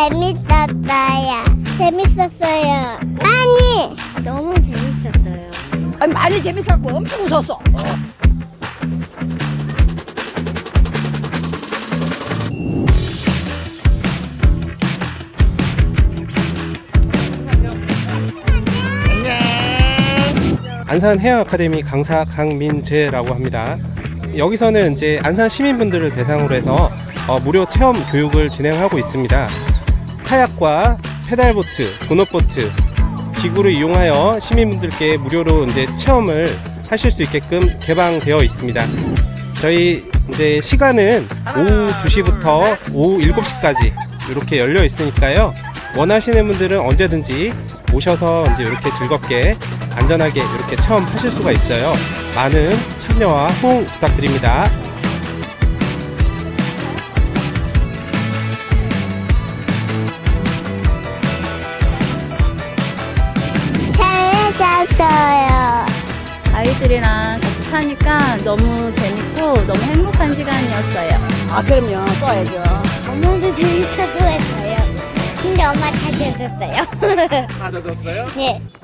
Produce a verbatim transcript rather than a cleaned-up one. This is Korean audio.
재밌었어요. 재밌었어요. 많이. 너무 재밌었어요. 아니, 많이 재밌었고 엄청 웃었어. 안산 해양 아카데미 강사 강민재라고 합니다. 여기서는 이제 안산 시민분들을 대상으로 해서 어, 무료 체험 교육을 진행하고 있습니다. 카약과 페달보트, 도넛보트 기구를 이용하여 시민분들께 무료로 이제 체험을 하실 수 있게끔 개방되어 있습니다. 저희 이제 시간은 오후 두 시부터 오후 일곱 시까지 이렇게 열려 있으니까요. 원하시는 분들은 언제든지 오셔서 이제 이렇게 즐겁게 안전하게 이렇게 체험하실 수가 있어요. 많은 참여와 호응 부탁드립니다. 재밌었어요. 아이들이랑 같이 타니까 너무 재밌고 너무 행복한 시간이었어요. 아, 그럼요. 또 와야죠. 엄마도 재밌다고 했어요. 근데 엄마 다 젖었어요. 다 젖었어요? 네.